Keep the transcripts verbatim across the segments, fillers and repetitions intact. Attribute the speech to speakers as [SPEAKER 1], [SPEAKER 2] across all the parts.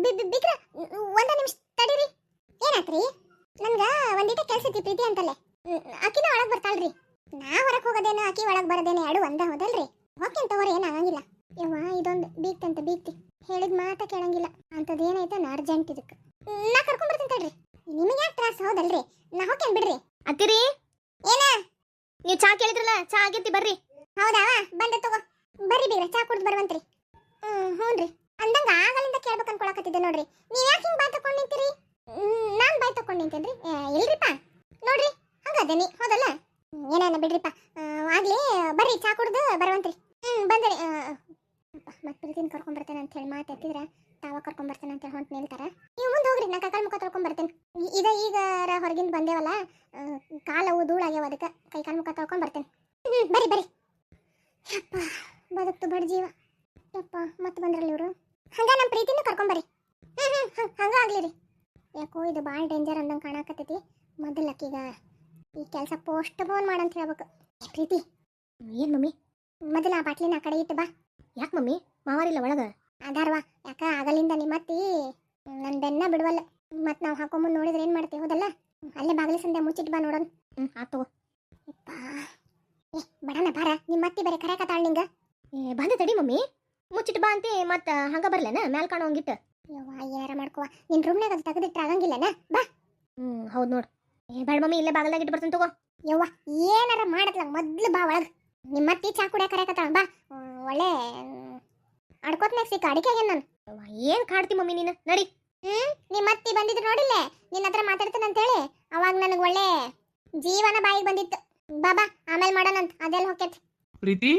[SPEAKER 1] ಬಿಗ್ರ ಒಂದ ನಿಮಿಷ ತಡೀರಿ. ಏನಾತ್ರಿ? ನನ್ಗ ಒಂದಿಟ ಕೆಲ್ಸ ಐತಿ ಪ್ರೀತಿ ಅಂತಲ್ಲೇ. ಆಕಿನ ಒಳಗ್ ಬರ್ತಾಳ್ರಿ. ನಾ ಹೊರಕ್ ಹೋಗೋದೇನ ಆಕಿ ಒಳಗ್ ಬರೋದೇನ ಎರಡು ಒಂದ ಹೋದಲ್ರಿ. ಹೋಗ್ತೇನೆ ತಗೋರಿ, ಏನ್ ಆಗಂಗಿಲ್ಲ. ಯವ್ವ ಇದೊಂದು ಬೀಗ್ತಂತ ಬೀಗ್ತಿ ಹೇಳಿದ ಮಾತ ಕೇಳಂಗಿಲ್ಲ ಅಂತದ್ ಏನೈತೆ ಅರ್ಜೆಂಟ್ ಇದಕ್ಕೆ ನಾ ಕರ್ಕೊಂಡ್ ಬರ್ತೀನಿ ತಡ್ರಿ. ನಿಮಗೆ ಯಾಕೆ ತ್ರಾಸ ಹೌದಲ್ರಿ? ನಾ ಹೋಗ್ತೇನೆ ಬಿಡ್ರಿ.
[SPEAKER 2] ಅತ್ತಿರಿ
[SPEAKER 1] ಏನ
[SPEAKER 2] ನೀವು ಚಾ ಕೇಳಿದ್ರಲ್ಲ, ಚಾ ಆಗೈತಿ ಬರ್ರಿ.
[SPEAKER 1] ಹೌದಾ ಬಂದೆ ತಗೋ. ಬರ್ರಿ ಬೀಗ್ರ, ಚಾ ಕುಡ್ದು ಬರುವಂತ್ರಿ. ಹ್ಮ್ ಹ್ಞೂನ್ರಿ. ಅಂದಂಗ ಆಗಲಿಂದ ಕೇಳ್ಬೇಕು ಅನ್ಕೊಳಕತ್ತಿದ್ದೆ ನೋಡ್ರಿ. ನೀವ್ ಯಾಕೆ ಹಿಂಗ್ ಬಾಯ್ ತಕೊಂಡ್ ನಿಂತೀರಿ? ನಾನ್ ಬಾಯ್ ತಕೊಂಡ್ ನಿಂತೇನ್ರಿ? ಇಲ್ರಿಪ್ಪ ನೋಡ್ರಿ, ಹಂಗದೇನಿ ಹೌದಲ್ಲ. ಏನೇನ ಬಿಡ್ರಿಪ್ಪ, ಆಗ್ಲಿ ಬರ್ರಿ ಚಾ ಕುಡ್ದು ಬರುವಂತ್ರಿ. ಹ್ಮ್ ಬಂದ್ರಿ. ಮತ್ತೆ ಪ್ರೀತಿನ ಕರ್ಕೊಂಡ್ ಬರ್ತೇನೆ ಅಂತ ಹೇಳಿ ಮಾತಾಡ್ತಿದ್ರ ತಾವ ಕರ್ಕೊಂಡ್ ಬರ್ತೇನೆ ಅಂತ ಹೇಳಿ ಹೊಂಟ್ ನಿಲ್ತಾರ. ನೀವು ಮುಂದೆ ಹೋಗ್ರಿ, ನಾ ಕೈಕಾಲ್ ಮುಖ ತೊಳ್ಕೊಂಡ್ ಬರ್ತೇನೆ. ಇದ ಈಗ ಹೊರಗಿಂದ ಬಂದೇವಲ್ಲ, ಕಾಲವು ಧೂಳಾಗ್ಯಾವ, ಅದಕ್ಕೆ ಕೈಕಾಲ್ ಮುಖ ತೊಳ್ಕೊಂಡ್ ಬರ್ತೇನೆ. ಹ್ಮ್ ಬರ್ರಿ ಬರ್ರಿ. ಯಪ್ಪ ಬದುಕ್ತು ಬಡ ಜೀವ. ಯಪ್ಪ ಮತ್ತೆ ಬಂದ್ರಲ್ಲ ಇವರು. ಹಂಗ ನಮ್ಮ ಪ್ರೀತಿನ ಕರ್ಕೊಂಬರ್ರಿ. ಹ್ಮ್ ಹ್ಮ್ ಹಂಗ ಆಗ್ಲಿ ರೀ. ಯಾಕೋ ಇದು ಭಾಳ ಡೇಂಜರ್ ಅಂದಂಗೆ ಕಾಣಕತ್ತೈತಿ. ಮೊದಲಕ್ಕೀಗ ಈ ಕೆಲಸ ಪೋಸ್ಟ್ ಫೋನ್ ಮಾಡಂತ ಹೇಳ್ಬೇಕು. ಪ್ರೀತಿ
[SPEAKER 2] ಏನ್ ಮಮ್ಮಿ?
[SPEAKER 1] ಮೊದಲ ಆ ಬಾಟ್ಲಿನ ಆ ಕಡೆ ಇಟ್ಟು ಬಾ.
[SPEAKER 2] ಯಾಕೆ ಮಮ್ಮಿ? ಮಾವಾರಿಲ್ಲ ಒಳಗ?
[SPEAKER 1] ಅದಾರ್ವಾ, ಯಾಕ ಆಗಲಿಂದ ನಿಮ್ಮತ್ತಿ ನನ್ನ ಬೆನ್ನ ಬಿಡುವಲ್ಲ. ಮತ್ತೆ ನಾವು ಹಾಕೊಂಬಂದು ನೋಡಿದ್ರೆ ಏನು ಮಾಡ್ತೀವಿ ಹೌದಲ್ಲ. ಅಲ್ಲೇ ಬಾಗಿಲು ಸಂದೆ ಮುಚ್ಚಿಟ್ಟು ಬಾ ನೋಡೋಣ.
[SPEAKER 2] ಹ್ಮ್ ಆತು.
[SPEAKER 1] ಯಪ್ಪ ಏ ಬಡನ ಬಾರ, ನಿಮ್ಮತ್ತಿ ಬರೀ ಕರೆಕತ್ತಾಳ ನಿಂಗ.
[SPEAKER 2] ಏ ಬಂದೆ ತಡಿ ಮಮ್ಮಿ, ಮುಚ್ಚಿಟ್ಟು ಬಾ ಅಂತಿ ಮತ್ತ ಹಂಗ ಬರ್ಲೇನ ಮ್ಯಾಲ್ ಕಾಣೋಂಗಿಟ್ಟು.
[SPEAKER 1] ಯವ್ವ ಏನಾರ ಮಾಡ್ಕೋ, ನಿನ್ ರೂಮ್ನಾಗ ಅದು ತೆಗೆದಿಟ್ರೆ ಆಗಂಗಿಲ್ಲನ ಬಾ.
[SPEAKER 2] ಹ್ಮ್ ಹೌದು ನೋಡು. ಏ ಬೇಡ ಮಮ್ಮಿ, ಇಲ್ಲೇ ಬಾಗಲ್ದಾಗ ಇಟ್ಟು ಬರ್ತೀನಿ ತಗೋ.
[SPEAKER 1] ಯವ್ವ ಏನಾರ ಮಾಡತ್ಲ ಮೊದ್ಲು ಬಾ ಒಳಗ್. ನಿಮ್ಮತ್ತಿ ಚಾ ಕುಡಿಯ ಕರೆಕತ್ತಾಳ ಬಾ. ಒಳ್ಳೆ ಅಡ್ಕೋತ್ನಾಗ ಸಿಕ್ಕ ಅಡಿಕೆ ಆಗ್ಯಾನ ನಾನು.
[SPEAKER 2] ಏನ್ ಕಾಡ್ತಿ ಮಮ್ಮಿ ನೀನು? ನಡಿ.
[SPEAKER 1] ಹ್ಮ್ ನಿಮ್ಮತ್ತಿ ಬಂದಿದ್ರು ನೋಡಿಲ್ಲೇ, ನಿನ್ನ ಹತ್ರ ಮಾತಾಡ್ತಾನೆ ಅಂತೇಳಿ. ಅವಾಗ ನನಗೆ ಒಳ್ಳೆ ಜೀವನ ಬಾಯಿಗೆ ಬಂದಿತ್ತು. ಬಾಬಾ ಆಮೇಲೆ ಮಾಡೋಣಂತ, ಅದೆಲ್ಲ ಹೊಕ್ಕೈತಿ.
[SPEAKER 3] ಪ್ರೀತಿ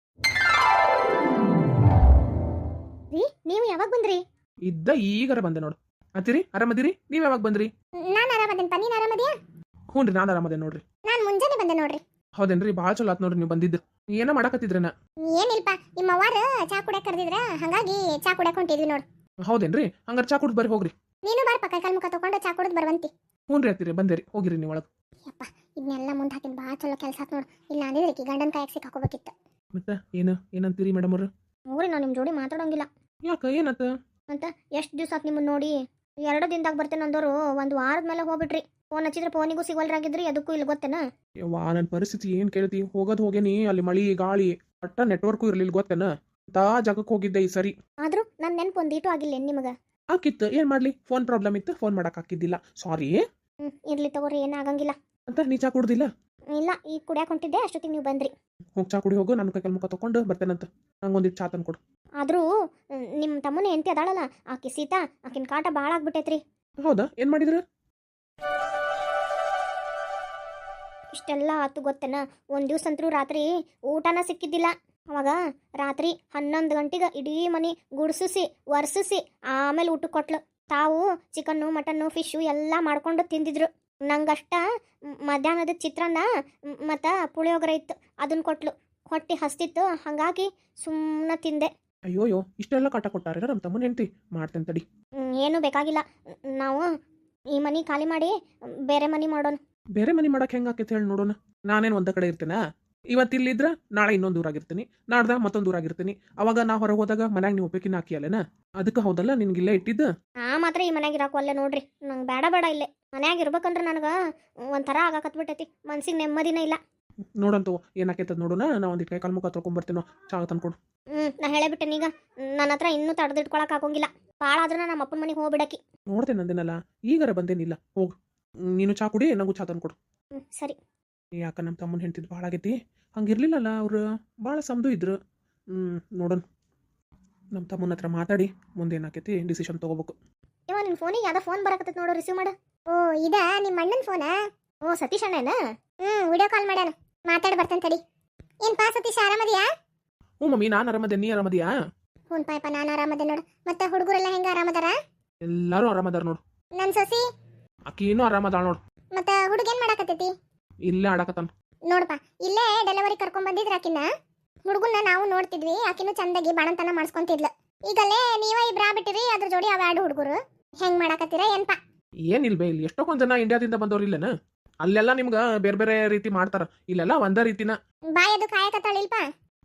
[SPEAKER 2] ರೀ ನೀವು ಯಾವಾಗ ಬಂದ್ರಿ?
[SPEAKER 3] ಇದ್ದ ಈಗರ ಬಂದೆ ನೋಡು. ಅತ್ತಿರಿ ಆರಾಮದಿರಿ? ನೀವ್ ಯಾವಾಗ ಬಂದ್ರಿ?
[SPEAKER 1] ನಾನು ಆರಾಮದೇನಪ್ಪ, ನೀನು ಆರಾಮದಿಯಾ?
[SPEAKER 3] ಹ್ಞೂ ರೀ, ನಾನು ಆರಾಮದೆ ನೋಡ್ರಿ.
[SPEAKER 1] ನಾನು ಮುಂಜಾನೆ ಬಂದೆ ನೋಡ್ರಿ.
[SPEAKER 3] ಹೌದೇನ್ರಿ? ಭಾಳ ಚಲೋ ಆತ್ ನೋಡ್ರಿ ನೀವು ಬಂದಿದ್ದು. ಏನೋ ಮಾಡಕತ್ತಿದ್ರನ?
[SPEAKER 1] ಏನಿಲ್ಪ, ನಿಮ್ಮ ಅವ್ವಾರ ಚಾ ಕುಡಿಯಕ್ ಕರೆದಿದ್ರ, ಹಾಗಾಗಿ ಚಾ ಕುಡಿಯಕ್ ಹೊಂಟಿದ್ವಿ ನೋಡು.
[SPEAKER 3] ಹೌದೇನ್ರಿ? ಹಂಗಾರ ಚಾ ಕುಡ್ದು ಬರ್ರಿ ಹೋಗ್ರಿ.
[SPEAKER 1] ನೀನು ಬಾರಪ್ಪ, ಕೈಕಾಲ್ ಮುಖ ತಗೊಂಡು ಚಾ ಕುಡಿದು ಬರುವಂತಿ.
[SPEAKER 3] ಹ್ಞೂ ರೀ ಅತ್ತಿರಿ, ಬಂದೇರಿ, ಹೋಗಿರಿ ನೀವು ಒಳಗೆ.
[SPEAKER 1] ಯಪ್ಪ ಇದನ್ನೆಲ್ಲ ಮುಂದೆ ಹಾಕಿನ ಭಾಳ ಚಲೋ ಕೆಲಸ ಆತ್ ನೋಡು. ಇಲ್ಲ ಅಂದಿದ್ರೆ ಕಿ ಗಂಡನ ಕಾಯಕ್ ಸಿಕ್ ಹಾಕೋಬೇಕಿತ್ತು.
[SPEAKER 3] ಮತ್ತೆ ಏನು ಏನಂತೀರಿ ಮೇಡಮ್ ಅವ್ರು?
[SPEAKER 2] ಹೋಗ್ರಿ, ನಾವು ನಿಮ್ಮ ಜೋಡಿ ಮಾತಾಡೋಂಗಿಲ್ಲ.
[SPEAKER 3] ಯಾಕ ಏನಾತ?
[SPEAKER 2] ಅಂತ ಎಷ್ಟು ದಿವಸ ಆತ್ ನಿಮ್ಮನ್ನ ನೋಡಿ. ಎರಡು ದಿನದಾಗ ಬರ್ತೇನೆ ಅಂದವರು ಒಂದು ವಾರದ ಮೇಲೆ ಹೋಗ್ಬಿಟ್ರಿ. ಫೋನ್ ಹಚ್ಚಿದ್ರೆ ಫೋನಿಗೂ ಸಿಗೋಲ್ರಾಗಿದ್ರಿ, ಅದಕ್ಕೂ ಇಲ್ಲಿ ಗೊತ್ತೇನ?
[SPEAKER 3] ಯವ್ವಾ ನನ್ನ ಪರಿಸ್ಥಿತಿ ಏನು ಕೇಳ್ತಿ? ಹೋಗೋದು ಹೋಗೇನಿ, ಅಲ್ಲಿ ಮಳಿ ಗಾಳಿ ಒಟ್ಟ ನೆಟ್ವರ್ಕು ಇರಲಿಲ್ಲ ಗೊತ್ತೇನ. ತಾ ಜಾಗಕ್ಕೆ ಹೋಗಿದ್ದೆ ಈ ಸರಿ.
[SPEAKER 2] ಆದ್ರೂ ನನ್ನ ನೆನಪು ಒಂದೀಟು ಆಗಿಲ್ಲ ನಿಮಗೆ?
[SPEAKER 3] ಆಕಿತ್ತು, ಏನು ಮಾಡಲಿ, ಫೋನ್ ಪ್ರಾಬ್ಲಮ್ ಇತ್ತು, ಫೋನ್ ಮಾಡಕ್ ಹಾಕಿದ್ದಿಲ್ಲ, ಸಾರಿ.
[SPEAKER 2] ಹ್ಞೂ ಇರ್ಲಿ ತಗೋರಿ, ಏನಾಗಂಗಿಲ್ಲ.
[SPEAKER 3] ಅಂತ ನೀ ಚಾ ಕುಡ್ದಿಲ್ಲ?
[SPEAKER 2] ಇಲ್ಲ, ಈಗ ಕುಡಿಯಾಕ ಹೊಂಟಿದ್ದೆ, ಅಷ್ಟೊತ್ತಿಗೆ ನೀವು ಬಂದ್ರಿ.
[SPEAKER 3] ಹೋಗಿ ಚಾ ಕುಡಿ ಹೋಗು, ನಾನು ಕೈಕಲ್ ಮುಖ ತಗೊಂಡು ಬರ್ತೇನಂತ. ನಂಗೊಂದಿಟ್ಟು ಚಾ ತಂದು ಕೊಡು.
[SPEAKER 2] ಆದ್ರೂ ನಿಮ್ಮ ತಮ್ಮನ ಹೆಂಡತಿ ಅದಾಳಲ್ಲ ಆಕಿ ಸೀತಾ, ಆಕಿನ ಕಾಟ ಭಾಳ ಆಗ್ಬಿಟ್ಟೈತ್ರಿ.
[SPEAKER 3] ಹೌದಾ? ಏನು ಮಾಡಿದ್ರು?
[SPEAKER 2] ಇಷ್ಟೆಲ್ಲ ಆತು ಗೊತ್ತೇನ. ಒಂದು ದಿವ್ಸ ಅಂತರೂ ರಾತ್ರಿ ಊಟನ ಸಿಕ್ಕಿದ್ದಿಲ್ಲ. ಅವಾಗ ರಾತ್ರಿ ಹನ್ನೊಂದು ಗಂಟೆಗೆ ಇಡೀ ಮನೆ ಗುಡ್ಸಿಸಿ ಒರ್ಸಿಸಿ ಆಮೇಲೆ ಊಟ ಕೊಟ್ಲು. ತಾವು ಚಿಕನ್ನು ಮಟನ್ನು ಫಿಶು ಎಲ್ಲ ಮಾಡ್ಕೊಂಡು ತಿಂದಿದ್ರು. ನಂಗಷ್ಟ ಮಧ್ಯಾಹ್ನದ ಚಿತ್ರಾನ್ನ ಮತ್ತು ಪುಳಿಯೋಗರೆ ಇತ್ತು, ಅದನ್ನ ಕೊಟ್ಲು. ಹೊಟ್ಟೆ ಹಸ್ತಿತ್ತು, ಹಾಗಾಗಿ ಸುಮ್ಮನೆ ತಿಂದೆ.
[SPEAKER 3] ಅಯ್ಯೋಯ್ಯೋ, ಇಷ್ಟೆಲ್ಲ ಕಾಟ ಕೊಟ್ಟಾರ ನಮ್ಮ ತಮ್ಮನ ಹೆಂಡತಿ. ಮಾಡ್ತೇನೆ ತಡಿ.
[SPEAKER 2] ಏನೂ ಬೇಕಾಗಿಲ್ಲ, ನಾವು ಈ ಮನೆ ಖಾಲಿ ಮಾಡಿ ಬೇರೆ ಮನೆ ಮಾಡೋಣ.
[SPEAKER 3] ಬೇರೆ ಮನೆ ಮಾಡಕ್ಕೆ ಹೆಂಗೆ ಆಕೈತೆ ಹೇಳಿ ನೋಡೋಣ. ನಾನೇನು ಒಂದ ಕಡೆ ಇರ್ತೇನಾ? ಇವತ್ತು ಇಲ್ಲಿದ್ರ ನಾಳೆ ಇನ್ನೊಂದು ಊರಾಗಿರ್ತೀನಿ, ನಾಡ್ದ ಮತ್ತೊಂದು ಊರಾಗಿರ್ತೀನಿ. ಅವಾಗ ನಾ ಹೊರಗೆ ಹೋದಾಗ ಮನ್ಯಾಗ ನೀವು ಉಪಯೋಗಿನ ಹಾಕಿಯಲ್ಲೇನ? ಅದಕ್ಕೆ ಹೌದಲ್ಲ ನಿನ್ಗಿಲ್ಲೇ ಇಟ್ಟಿದ್ದು.
[SPEAKER 2] ಆ ಮಾತ್ರ ಈ ಮನ್ಯಾಗ ಇರಾಕು ಅಲ್ಲೇ ನೋಡ್ರಿ. ನಂಗೆ ಬೇಡ ಬೇಡ ಇಲ್ಲೇ ಮನ್ಯಾಗ ಇರ್ಬೇಕಂದ್ರೆ ನನಗೆ ಒಂಥರ ಆಗಾಕತ್ಬಿಟ್ಟೈತಿ, ಮನ್ಸಿಗೆ ನೆಮ್ಮದಿನೇ ಇಲ್ಲ.
[SPEAKER 3] ನೋಡಂತ ಏನಾಕೈತದ ನೋಡೋಣ. ನಾ ಒಂದಿಟ್ಟು ಕೈ ಕಾಲು ಮುಖ ತೊಗೊಂಬರ್ತೀನೋ, ಚಾ ತಂದ್ಕೊಡು.
[SPEAKER 2] ಹ್ಞೂ ನಾ ಹೇಳೇಬಿಟ್ಟೆ ಈಗ, ನನ್ನ ಹತ್ರ ಇನ್ನೂ ತಡೆದಿಟ್ಕೊಳಕ್ ಆಗೋಂಗಿಲ್ಲ. ಭಾಳ ಆದ್ರೂ ನಮ್ಮ ಅಪ್ಪನ ಮನೆಗೆ ಹೋಗ್ಬಿಡಕಿ.
[SPEAKER 3] ನೋಡ್ತೇನೆ ಅಂದೇನಲ್ಲ, ಈಗಾರ ಬಂದೇನಿಲ್ಲ. ಹೋಗು ನೀನು ಚಾ ಕುಡಿ, ನಂಗೂ ಚಾ ತಂದ್ಕೊಡು.
[SPEAKER 2] ಹ್ಞೂ ಸರಿ.
[SPEAKER 3] ಯಾಕ ನಮ್ಮ ತಮ್ಮನ ಹೆಂಡ್ತಿದ್ದು ಭಾಳ ಆಗೈತಿ. ಹಂಗಿರ್ಲಿಲ್ಲಲ್ಲ, ಅವ್ರು ಭಾಳ ಸಮದು ಇದ್ರು. ಹ್ಞೂ ನೋಡೋಣ, ನಮ್ಮ ತಮ್ಮನ ಹತ್ರ ಮಾತಾಡಿ ಮುಂದೆ ಏನಾಕೈತಿ ಡಿಸಿಷನ್ ತೊಗೋಬೇಕು.
[SPEAKER 2] ಇವ ನಿನ್ನ ಫೋನಿಗೆ ಯಾವ್ದೋ ಫೋನ್ ಬರಕತ್ತೈತೆ ನೋಡು, ರಿಸೀವ್ ಮಾಡು.
[SPEAKER 1] ಓ ಇದ ನಿಮ್ಮ ಅಣ್ಣನ ಫೋನಾ?
[SPEAKER 2] ಓ ಸತೀಶ್ ಅಣ್ಣನ?
[SPEAKER 1] ಹ್ಞೂ ವಿಡಿಯೋ ಕಾಲ್ ಮಾಡ್ಯಾನ, ಮಾತಾಡಿ ಬರ್ತೇನೆ ತಡಿ. ಏನ್ಪಾ ಸತೀಶ್ ಆರಾಮದಿಯಾ?
[SPEAKER 3] ಹ್ಞೂ ಮಮ್ಮಿ, ನಾನು ಆರಾಮದೆ, ನೀ ಆರಾಮದಿಯಾ?
[SPEAKER 1] ಹ್ಞೂ ಪಾಯಪ್ಪ ನಾನು ಆರಾಮದೆ ನೋಡು. ಮತ್ತೆ ಹುಡುಗರೆಲ್ಲ ಹೆಂಗ ಆರಾಮದಾರ?
[SPEAKER 3] ಎಲ್ಲರೂ ಆರಾಮದಾರ ನೋಡು.
[SPEAKER 1] ನನ್ನ ಸೊಸಿ
[SPEAKER 3] ಆಕಿನೂ ಆರಾಮದಾಳ ನೋಡು.
[SPEAKER 1] ಮತ್ತೆ ಹುಡುಗೇನ್ ಮಾಡಾಕತ್ತೈತಿ?
[SPEAKER 3] ಇಲ್ಲೇ ಆಡಕತ್ತಾನ
[SPEAKER 1] ನೋಡಪ್ಪ, ಇಲ್ಲೇ ಡೆಲಿವರಿ ಕರ್ಕೊಂಡ್ ಬಂದಿದ್ರ ಆಕಿನ. ಹುಡುಗನ್ನ ನಾವು ನೋಡ್ತಿದ್ವಿ, ಆಕಿನೂ ಚಂದಾಗಿ ಬಾಣಂತನ ಮಾಡಿಸ್ಕೊಂತಿದ್ಲು. ಈಗಲೇ ನೀವ ಇಬ್ರ ಬಿಟ್ಟಿರಿ, ಅದ್ರ ಜೋಡಿ ಅವ ಎರಡು ಹುಡುಗರು ಹೆಂಗ್ ಮಾಡಾಕತ್ತೀರ ಏನ್ಪಾ?
[SPEAKER 3] ಏನಿಲ್ಬೇ, ಇಲ್ಲಿ ಎಷ್ಟೊಂದ್ ಜನ ಇಂಡಿಯಾದಿಂದ ಬಂದವ್ರು ಇಲ್ಲೇನ. ಅಲ್ಲೆಲ್ಲ ನಿಮ್ಗ ಬೇರೆ ಬೇರೆ ರೀತಿ ಮಾಡ್ತಾರ, ಇಲ್ಲೆಲ್ಲ ಒಂದ ರೀತಿನ.
[SPEAKER 1] ಬಾಯದು ಕಾಯಕತ್ತಾಳಿಲ್ಪ.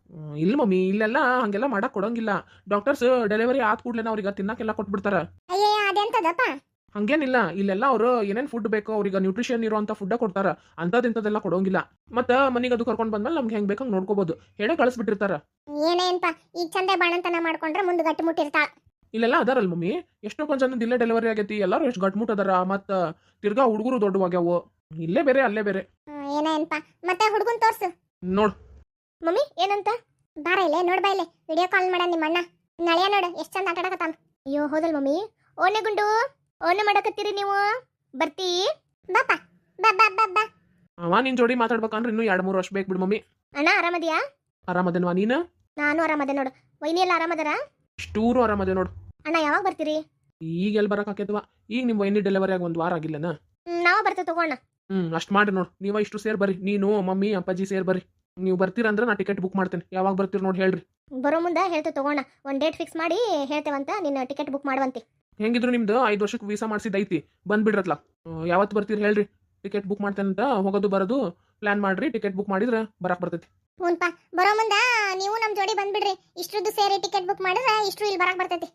[SPEAKER 3] ಹ್ಮ್, ಇಲ್ಲ ಮಮ್ಮಿ ಇಲ್ಲೆಲ್ಲ ಹಂಗೆಲ್ಲ ಮಾಡಕ್ ಕೊಡಂಗಿಲ್ಲ. ಡಾಕ್ಟರ್ಸ್ ಡೆಲಿವರಿ ಆದ ಕೂಡಲೇ ಅವ್ರಿಗೆ ತಿನ್ನಕ್ಕೆಲ್ಲ ಕೊಟ್ಬಿಡ್ತಾರ.
[SPEAKER 1] ಅಯ್ಯೇ ಅದೆಂತದಪ್ಪ?
[SPEAKER 3] ಹಂಗೇನಿಲ್ಲ, ಇಲ್ಲೆಲ್ಲ ಅವರು ಏನೇನ್ ಫುಡ್ ಬೇಕೋ ಅವ್ರಿಗೆ ನ್ಯೂಟ್ರಿಷನ್ ಇರುವಂತ ಫುಡ್ ಕೊಡ್ತಾರ. ಅಂತದಿಂತದೆಲ್ಲ ಕೊಡೋಂಗಿಲ್ಲ. ಮತ್ತ ಮನಿಗೆ ಅದು ಕರ್ಕೊಂಡ್ ಬಂದ್ಮೇಲೆ ನಮ್ಗೆ ಹೆಂಗ್ ಬೇಕಂಗ್ ನೋಡ್ಕೋಬಹುದು, ಹೇಳೇ ಕಳಿಸ್ಬಿಟ್ಟಿರ್ತಾರ.
[SPEAKER 1] ಏನೇನ್ಪಾ ಈಗ ಚಂದೆ ಬಾಣಂತನ ಮಾಡ್ಕೊಂಡ್ರೆ ಮುಂದೆ ಗಟ್ಟಿ ಮುಟ್ಟಿರ್ತಾಳ.
[SPEAKER 3] ಇಲ್ಲೆಲ್ಲ ಅದಾರಲ್ ಮಮ್ಮಿ, ಎಷ್ಟೋ ಕೊಂದ್ ಜನ ಇಲ್ಲೇ ಡೆಲಿವರಿ ಆಗೈತಿ, ಎಲ್ಲಾರು ಎಷ್ಟು ಗಟ್ಮುಟ್ ಅದಾರ. ಮತ್ತ ತಿರ್ಗಾ ಹುಡುಗರು ದೊಡ್ಡವಾಗ್ಯಾವು. ಇಲ್ಲೇ ಬೇರೆ ಅಲ್ಲೇ ಬೇರೆ.
[SPEAKER 1] ಏನೇನ್ಪಾ ಮತ್ತೆ ಹುಡುಗನ್ ತೋರ್ಸು.
[SPEAKER 3] ನೋಡ್
[SPEAKER 2] ಮಮ್ಮಿ ಏನಂತ?
[SPEAKER 1] ಬಾರ ಇಲ್ಲೇ ನೋಡ್ ಬಾ ಇಲ್ಲೇ ವಿಡಿಯೋ ಕಾಲ್ ಮಾಡ ನಿಮ್ಮ ಅಣ್ಣ. ನಳಿಯ ನೋಡು ಎಷ್ಟ್ ಚಂದ ಆಟ ಆಡಕತ್ತಾನ.
[SPEAKER 2] ಅಯ್ಯೋ ಹೌದಲ್ ಮಮ್ಮಿ. ಓನೆ ಗುಂಡು ಓನೆ ಮಾಡಕತ್ತೀರಿ ನೀವು? ಬರ್ತೀ?
[SPEAKER 1] ಬಾಪ ಬಾ ಬಾ ಬಾ ಬಾ.
[SPEAKER 3] ಅವ ನಿನ್ ಜೋಡಿ ಮಾತಾಡ್ಬೇಕಂದ್ರೆ ಇನ್ನೂ ಎರಡ್ ಮೂರು ವರ್ಷ ಬೇಕು ಬಿಡು ಮಮ್ಮಿ.
[SPEAKER 2] ಅಣ್ಣ ಆರಾಮದಿಯಾ?
[SPEAKER 3] ಆರಾಮದೇನ್ವಾ ನೀನ?
[SPEAKER 2] ನಾನು ಆರಾಮದೆ ನೋಡು. ವೈನಿ ಎಲ್ಲ ಆರಾಮದಾರ?
[SPEAKER 3] ಇಷ್ಟೂರು ಆರಾಮದೆ ನೋಡು.
[SPEAKER 2] ಅಣ್ಣ ಯಾವಾಗ ಬರ್ತೀರಿ?
[SPEAKER 3] ಈಗ ಎಲ್ಲಿ ಬರಕ್ ಆಕೇತ್ವಾ, ಈಗ ನಿಮ್ ವೈನಿ ಡೆಲಿವರಿ ಆಗಿ ಒಂದ್ ವಾರ ಆಗಿಲ್ಲನ.
[SPEAKER 2] ಹ್ಮ್, ನಾವ ಬರ್ತೇವೆ ತಗೋಣ.
[SPEAKER 3] ಹ್ಮ್ ಅಷ್ಟ್ ಮಾಡಿ ನೋಡು, ನೀವ ಇಷ್ಟು ಸೇರ್ ಬರ್ರಿ, ನೀನು ಮಮ್ಮಿ ಅಪ್ಪಾಜಿ ಸೇರ್ ಬರ್ರಿ. ನೀವು ಬರ್ತೀರಂದ್ರೆ ನಾ ಟಿಕೆಟ್ ಬುಕ್ ಮಾಡ್ತೇನೆ. ಯಾವಾಗ ಬರ್ತೀರಿ ನೋಡಿ ಹೇಳ್ರಿ.
[SPEAKER 2] ಬರೋ ಮುಂದೆ ಹೇಳ್ತೇವೆ ತಗೋಣ. ಒಂದ್ ಡೇಟ್ ಫಿಕ್ಸ್ ಮಾಡಿ ಹೇಳ್ತೇವಂತ, ನಿನ್ನ ಟಿಕೆಟ್ ಬುಕ್ ಮಾಡುವಂತೆ.
[SPEAKER 3] ಹೆಂಗಿದ್ರು ನಿಮ್ದು ಐದು ವರ್ಷಕ್ಕೆ ವೀಸಾ ಮಾಡಿಸಿದೈತಿ, ಬಂದ್ಬಿಡ್ರತ್ಲ. ಯಾವತ್ತು ಬರ್ತೀರಿ ಹೇಳ್ರಿ, ಟಿಕೆಟ್ ಬುಕ್ ಮಾಡ್ತೇನೆ ಅಂತ. ಹೋಗೋದು ಬರೋದು ಪ್ಲಾನ್ ಮಾಡ್ರಿ, ಟಿಕೆಟ್ ಬುಕ್ ಮಾಡಿದ್ರೆ ಬರಕ್ ಬರ್ತೈತಿ.
[SPEAKER 1] ಹ್ಞೂನ್ಪಾ ಬರೋ ಮುಂದ ನೀವು ನಮ್ ಜೋಡಿ ಬಂದ್ಬಿಡ್ರಿ. ಇಷ್ಟ್ರದ್ದು ಸೇರಿ ಟಿಕೆಟ್ ಬುಕ್ ಮಾಡಿದ್ರೆ ಇಷ್ಟ್ರು ಇಲ್ಲಿ ಬರಕ್ ಬರ್ತೈತಿ.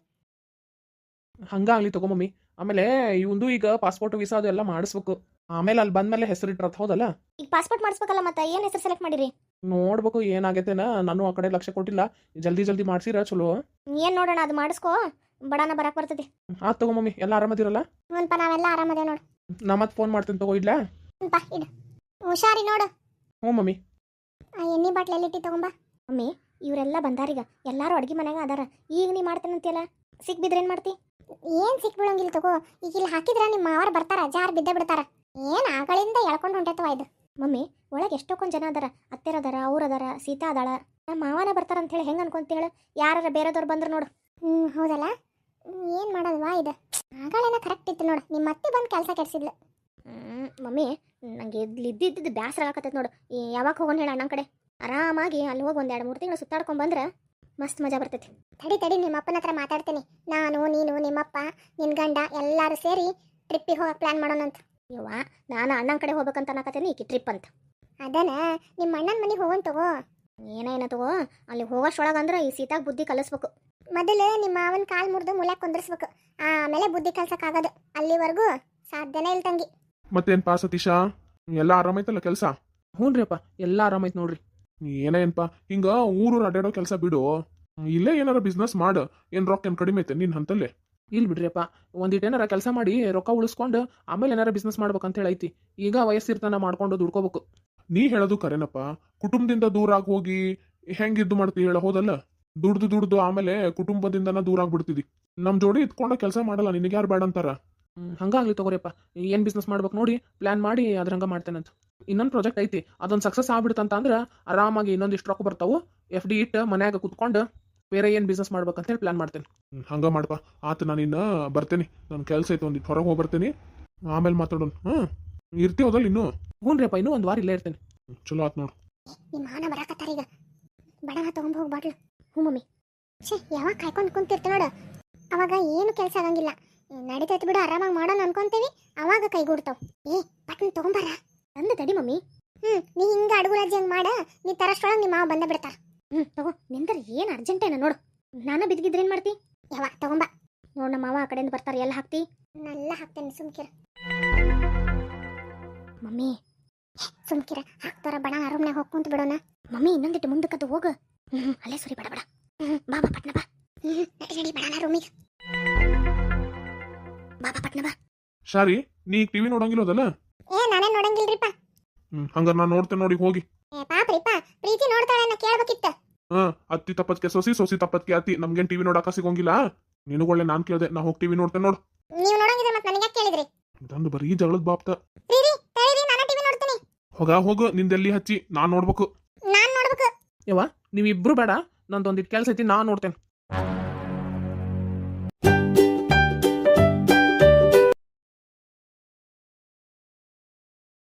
[SPEAKER 3] ಹಂಗಾಗ್ಲಿ ತಗೋ ಮಮ್ಮಿ. ಆಮೇಲೆ ಇವಂದು ಈಗ ಪಾಸ್ಪೋರ್ಟ್ ವೀಸಾ ಅದು ಎಲ್ಲ ಮಾಡಿಸ್ಬೇಕು. ಆಮೇಲೆ ಅಲ್ಲಿ ಬಂದ್ಮೇಲೆ ಹೆಸರು ಇಟ್ಟಿರತ್ ಹೌದಲ್ಲ.
[SPEAKER 2] ಈಗ ಪಾಸ್ಪೋರ್ಟ್ ಮಾಡಿಸ್ಬೇಕಲ್ಲ, ಮತ್ತೆ ಏನ್ ಹೆಸರು ಸೆಲೆಕ್ಟ್ ಮಾಡಿರಿ?
[SPEAKER 3] ನೋಡ್ಬೇಕು ಏನಾಗೈತೆನ, ನಾನು ಆ ಕಡೆ ಲಕ್ಷ್ಯ ಕೊಟ್ಟಿಲ್ಲ. ಜಲ್ದಿ ಜಲ್ದಿ ಮಾಡ್ಸಿರ ಚಲೋ.
[SPEAKER 2] ಏನ್ ನೋಡೋಣ, ಅದು ಮಾಡಿಸ್ಕೋ, ಬಡಾನ ಬರಕ್ ಬರ್ತೈತಿ.
[SPEAKER 3] ಆತ್ ತಗೋ ಮಮ್ಮಿ, ಎಲ್ಲ ಆರಾಮದಿರಲ್ಲ?
[SPEAKER 1] ಹ್ಞೂನ್ಪಾ ನಾವೆಲ್ಲ ಆರಾಮದೇ ನೋಡು.
[SPEAKER 3] ನಾ ಮತ್ತೆ ಫೋನ್ ಮಾಡ್ತೀನಿ ತಗೋ, ಇಡ್ಲಾ?
[SPEAKER 1] ಹ್ಞೂನ್ಪಾ ಇಡು. ಹುಷಾರಿ ನೋಡು.
[SPEAKER 3] ಹ್ಞೂ ಮಮ್ಮಿ.
[SPEAKER 1] ಆ ಎಣ್ಣೆ ಬಾಟ್ಲ್ ಎಲ್ಲಿಟ್ಟಿ ತಗೊಂಬಾ.
[SPEAKER 2] ಮಮ್ಮಿ ಇವರೆಲ್ಲ ಬಂದಾರೀಗ, ಎಲ್ಲಾರು ಅಡ್ಗೆ ಮನ್ಯಾಗ ಅದಾರ. ಈಗ ನೀ ಮಾಡ್ತೇನಂತಿಯಲ್ಲ, ಸಿಕ್ ಬಿದ್ರೆ ಏನ್ ಮಾಡ್ತಿ?
[SPEAKER 1] ಏನ್ ಸಿಕ್ ಬೀಳಂಗಿಲ್ಲ ತಗೋ. ಈಗ ಇಲ್ಲಿ ಹಾಕಿದ್ರ ನಿಮ್ಮ ಮಾವರ್ ಬರ್ತಾರ, ಜಾರ್ ಬಿದ್ದ ಬಿಡ್ತಾರ. ಏನ್ ಆಗಳಿಂದ ಎಳ್ಕೊಂಡು ಹೊಂಟೈತವ ಇದು.
[SPEAKER 2] ಮಮ್ಮಿ ಒಳಗೆ ಎಷ್ಟೊಂದು ಜನ ಅದಾರ, ಅತ್ತೆರದಾರ, ಅವ್ರದಾರ, ಸೀತಾ ಅದಾಳ. ನಮ್ಮ ಮಾವನ ಬರ್ತಾರ ಅಂತ ಹೇಳಿ ಹೆಂಗ್ ಅನ್ಕೊಂತೇಳ? ಯಾರ ಬೇರೆದವ್ರು ಬಂದ್ರು ನೋಡು.
[SPEAKER 1] ಹ್ಮ್ ಹೌದಲ್ಲ. ಹ್ಮ್, ಏನ್ ಮಾಡೋದವಾ ಇದು? ಆಗಳೇನ ಕರೆಕ್ಟ್ ಇತ್ತು ನೋಡು. ನಿಮ್ಮ ಅತ್ತೆ ಬಂದು ಕೆಲಸ ಕೆಡ್ಸಿದ್ಲು.
[SPEAKER 2] ಹ್ಮ್ ಮಮ್ಮಿ ನಂಗೆ ಇದ್ದಿದ್ದು ಬ್ಯಾಸರ ಆಗಕತ್ತೈತೆ ನೋಡು. ಈ ಯಾವಾಗ ಹೋಗೋಣ ಹೇಳ ಅಣ್ಣನ ಕಡೆ? ಆರಾಮಾಗಿ ಅಲ್ಲಿ ಹೋಗಿ ಒಂದ್ ಎರಡು ಮೂರು ತಿಂಗಳು ಸುತ್ತಾಡ್ಕೊಂಡ್ ಬಂದ್ರೆ ಮಸ್ತ್ ಮಜಾ ಬರ್ತೈತಿ.
[SPEAKER 1] ತಡಿ ತಡಿ ನಿಮ್ಮ ಅಪ್ಪನ ಹತ್ರ ಮಾತಾಡ್ತೀನಿ. ನಾನು ನೀನು ನಿಮ್ಮಪ್ಪ ನಿನ್ ಗಂಡ ಎಲ್ಲಾರು ಸೇರಿ ಟ್ರಿಪ್ಪಿಗೆ ಹೋಗಕ್ ಪ್ಲಾನ್ ಮಾಡೋಣಂತ.
[SPEAKER 2] ಯವ್ವ ನಾನು ಅಣ್ಣನ ಕಡೆ ಹೋಗ್ಬೇಕಂತ ಅನ್ನಕತ್ತೇನಿ, ಈಕಿ ಟ್ರಿಪ್ ಅಂತ.
[SPEAKER 1] ಅದನ್ನ ನಿಮ್ಮ ಅಣ್ಣನ ಮನೆಗೆ ಹೋಗೋಣ ತಗೋ.
[SPEAKER 2] ಏನೇನ ತಗೋ, ಅಲ್ಲಿ ಹೋಗೋಷ್ಟೊಳಗಂದ್ರೆ ಈ ಸೀತಾಗ ಬುದ್ಧಿ ಕಲಿಸ್ಬೇಕು.
[SPEAKER 1] ಮೊದಲು ನಿಮ್ಮ ಮಾವನ ಕಾಲ್ ಮುರಿದು ಮೂಲ್ಯಾಗ ಕುಂದ್ರಿಸ್ಬೇಕು, ಆಮೇಲೆ ಬುದ್ಧಿ ಕಲ್ಸಕ್ಕಾಗದು. ಅಲ್ಲಿವರೆಗೂ ಸಾಧ್ಯನೇ ಇಲ್ಲ ತಂಗಿ.
[SPEAKER 4] ಮತ್ತೇನ್ ಪಾ ಸತೀಶ, ಎಲ್ಲ ಆರಾಮೈತಲ್ಲ ಕೆಲಸ?
[SPEAKER 3] ಹ್ಞೂ ರೀ ಅಪ್ಪ, ಎಲ್ಲ ಆರಾಮೈತ್ ನೋಡ್ರಿ.
[SPEAKER 4] ಏನೇನ್ಪಾ ಹಿಂಗ ಊರು ಅಡ್ಡಾಡೋ ಕೆಲಸ ಬಿಡು, ಇಲ್ಲೇ ಏನಾರ ಬಿಸ್ನೆಸ್ ಮಾಡ. ಏನ್ ರೊಕ್ಕ ಏನ್ ಕಡಿಮೆ ಐತೆ ನಿನ್ ಹಂತಲ್ಲೇ?
[SPEAKER 3] ಇಲ್ಲಿ ಬಿಡ್ರಿ ಅಪ್ಪ, ಒಂದಿಟ್ಟು ಏನಾರ ಕೆಲಸ ಮಾಡಿ ರೊಕ್ಕ ಉಳಿಸ್ಕೊಂಡು ಆಮೇಲೆ ಏನಾರ ಬಿಸ್ನೆಸ್ ಮಾಡ್ಬೇಕಂತ ಹೇಳಿ ಐತಿ. ಈಗ ವಯಸ್ಸಿರ್ತಾನ ಮಾಡ್ಕೊಂಡು ದುಡ್ಕೋಬೇಕು.
[SPEAKER 4] ನೀ ಹೇಳೋದು ಕರೆನಪ್ಪ. ಕುಟುಂಬದಿಂದ ದೂರ ಆಗಿ ಹೋಗಿ ಹೆಂಗಿದ್ದು ಮಾಡ್ತಿ ಹೇಳ, ಹೋದಲ್ಲ? ದುಡ್ದು ದುಡ್ದು ಆಮೇಲೆ ಕುಟುಂಬದಿಂದನ ದೂರ ಆಗ್ಬಿಡ್ತಿದಿ. ನಮ್ ಜೋಡಿ ಇದ್ಕೊಂಡ ಕೆಲಸ ಮಾಡಲ್ಲ, ನಿನಗೆ ಯಾರು ಬೇಡ ಅಂತಾರ?
[SPEAKER 3] ಹ್ಮ್, ಹಂಗಾಗ್ಲಿ ತಗೋರಿಯಪ್ಪ. ಏನ್ ಬಿಸ್ನೆಸ್ ಮಾಡ್ಬೇಕು ನೋಡಿ ಪ್ಲಾನ್ ಮಾಡಿ ಅದ್ರ ಹಂಗ ಮಾಡ್ತೇನಂತ. ಇನ್ನೊಂದು ಪ್ರಾಜೆಕ್ಟ್ ಐತಿ, ಅದೊಂದು ಸಕ್ಸಸ್ ಆಗ್ಬಿಡ್ತಂತ ಅಂದ್ರೆ ಆರಾಮಾಗಿ ಇನ್ನೊಂದಿಷ್ಟು ರೊಕ್ಕ ಬರ್ತಾವು. ಎಫ್ ಡಿ ಇಟ್ಟು ಮನ್ಯಾಗ ಕುತ್ಕೊಂಡು ಬೇರೆ ಏನ್ ಬಿಸ್ನೆಸ್ ಮಾಡ್ಬೇಕಂತ ಹೇಳಿ ಪ್ಲಾನ್ ಮಾಡ್ತೇನೆ.
[SPEAKER 4] ಹ್ಮ್, ಹಂಗ ಮಾಡಪ್ಪ. ಆತ ನಾನು ಇನ್ನ ಬರ್ತೇನೆ, ನನ್ನ ಕೆಲಸ ಐತೆ, ಒಂದಿಟ್ಟು ಹೊರಗೆ ಹೋಗಿ ಬರ್ತೀನಿ, ಆಮೇಲೆ ಮಾತಾಡೋಣ. ಹ್ಮ್ ಇರ್ತೀವದಲ್ಲ ಇನ್ನು?
[SPEAKER 3] ಹ್ಞೂ ರೀ ಅಪ್ಪ, ಇನ್ನೂ ಒಂದು ವಾರ ಇಲ್ಲೇ ಇರ್ತೇನೆ.
[SPEAKER 4] ಚಲೋ ಆತ್ ನೋಡು.
[SPEAKER 1] ನಿಮ್ಮ ಮಾವನ ಬರಾಕತ್ತಾರ ಈಗ. ಬಡವ ತಗೊಂಡ್ ಹೋಗಿ ಬಾಟ್ಲು.
[SPEAKER 2] ಹ್ಞೂ ಮಮ್ಮಿ.
[SPEAKER 1] ಛೇ ಯಾವಾಗ ಕಾಯ್ಕೊಂಡು ಕುಂತಿರ್ತ ನೋಡು, ಅವಾಗ ಏನು ಕೆಲಸ ಆಗಂಗಿಲ್ಲ. ನಡೀತೈತಿ ಬಿಡು, ಆರಾಮಾಗಿ ಮಾಡೋಣ ಅನ್ಕೊಂತೀವಿ, ಅವಾಗ ಕೈಗೂಡ್ತಾವ. ಏ ಪಟ್ನ ತಗೊಂಬಾರ.
[SPEAKER 2] ತಂದೆ ತಡಿ ಮಮ್ಮಿ.
[SPEAKER 1] ಹ್ಮ್ ನೀ ಹಿಂಗ ಅಡುಗುರಾಜಿ ಹಂಗ ಮಾಡ, ನೀ ತರಷ್ಟೊಳಗೆ ನಿಮ್ಮ ಮಾವ ಬಂದ ಬಿಡ್ತಾರ.
[SPEAKER 2] ಹ್ಮ್ ತಗೋ, ನಿಂದರ ಏನ್ ಅರ್ಜೆಂಟೇನ ನೋಡು. ನಾನು ಬಿದ್ದಿದ್ರೆ ಏನ್ ಮಾಡ್ತಿ?
[SPEAKER 1] ಯಾವ ತಗೊಂಬ.
[SPEAKER 2] ನೋಡ್ ನಮ್ಮ ಮಾವ ಆ ಕಡೆಯಿಂದ ಬರ್ತಾರ, ಎಲ್ಲ ಹಾಕ್ತಿ?
[SPEAKER 1] ನಲ್ಲ ಹಾಕ್ತೇನೆ, ಸುಮ್ಕಿರ
[SPEAKER 2] ಮಮ್ಮಿ.
[SPEAKER 1] ಸುಮ್ಕಿರ ಹಾಕ್ತಾರ. ಬಡ ರೂಮ್ನಾಗ ಹೋಗಿ ಕುಂತ ಬಿಡೋಣ.
[SPEAKER 2] ಮಮ್ಮಿ ಇನ್ನೊಂದಿಟ್ಟು ಮುಂದಕ್ಕದು ಹೋಗ. ಹ್ಮ್ ಅಲ್ಲೇ ಸುರಿ, ಬಡ ಬಡ. ಹ್ಮ್ ಬಾ ಬಾ ಪಟ್ನ ಬಾ.
[SPEAKER 1] ಹ್ಮ್ ನಡಿ ನಡಿ ಬಡನ ರೂಮಿಗೆ.
[SPEAKER 2] ಬಾ ಬಾ ಪಟ್ನ ಬಾ.
[SPEAKER 4] ಶಾರಿ, ನೀ ಈಗ ಟಿವಿ ನೋಡಂಗಿಲ್ಲೋದಲ್ಲ?
[SPEAKER 1] ಏ ನಾನೇ ನೋಡಂಗಿಲ್ರಿಪ್ಪ.
[SPEAKER 4] ಹ್ಮ್ ಹಂಗಾರ ನಾನು ನೋಡ್ತೇನೆ, ನೋಡಿ ಹೋಗಿ.
[SPEAKER 1] ಏ ಪಾಪ್ರಿಪ್ಪ, ಪ್ರೀತಿ ನೋಡ್ತಾಳೆ, ನಾ ಕೇಳ್ಬೇಕಿತ್ತ.
[SPEAKER 4] ಹಾ, ಅತ್ತಿ ತಪ್ಪತ್ಕೆ ಸೊಸಿ, ಸೊಸಿ ತಪ್ಪತ್ಕೆ ಅತ್ತಿ. ನಮ್ಗೇನ್ ಟಿವಿ ನೋಡಾಕ ಸಿಗೋಂಗಿಲ್ಲ. ನಿನಗೊಳ್ಳೆ ನಾನ್ ಕೇಳ್ದೆ, ನಾ ಹೋಗಿ ಟಿವಿ ನೋಡ್ತೇನೆ ನೋಡು.
[SPEAKER 1] ನೀವು ನೋಡಂಗಿದ್ರೆ ಮತ್ತೆ ನನಗೆ ಕೇಳಿದ್ರಿ?
[SPEAKER 4] ಇದೊಂದು ಬರೀ ಜಗಳದ ಬಾಪ್ತ.
[SPEAKER 1] ರೀ ತಡೀರಿ, ನಾನು ಟಿವಿ ನೋಡ್ತೀನಿ.
[SPEAKER 4] ಹೋಗ ಹೋಗು, ನಿಂದೆಲ್ಲಿ ಹಚ್ಚಿ ನಾನ್ ನೋಡ್ಬೇಕು.
[SPEAKER 1] ನಾನ್ ನೋಡ್ಬೇಕು.
[SPEAKER 3] ಯವ್ವ ನೀವಿಬ್ರು ಬೇಡ, ನಂದೊಂದಿಟ್ಟು ಕೆಲಸ ಐತಿ, ನಾ ನೋಡ್ತೇನೆ.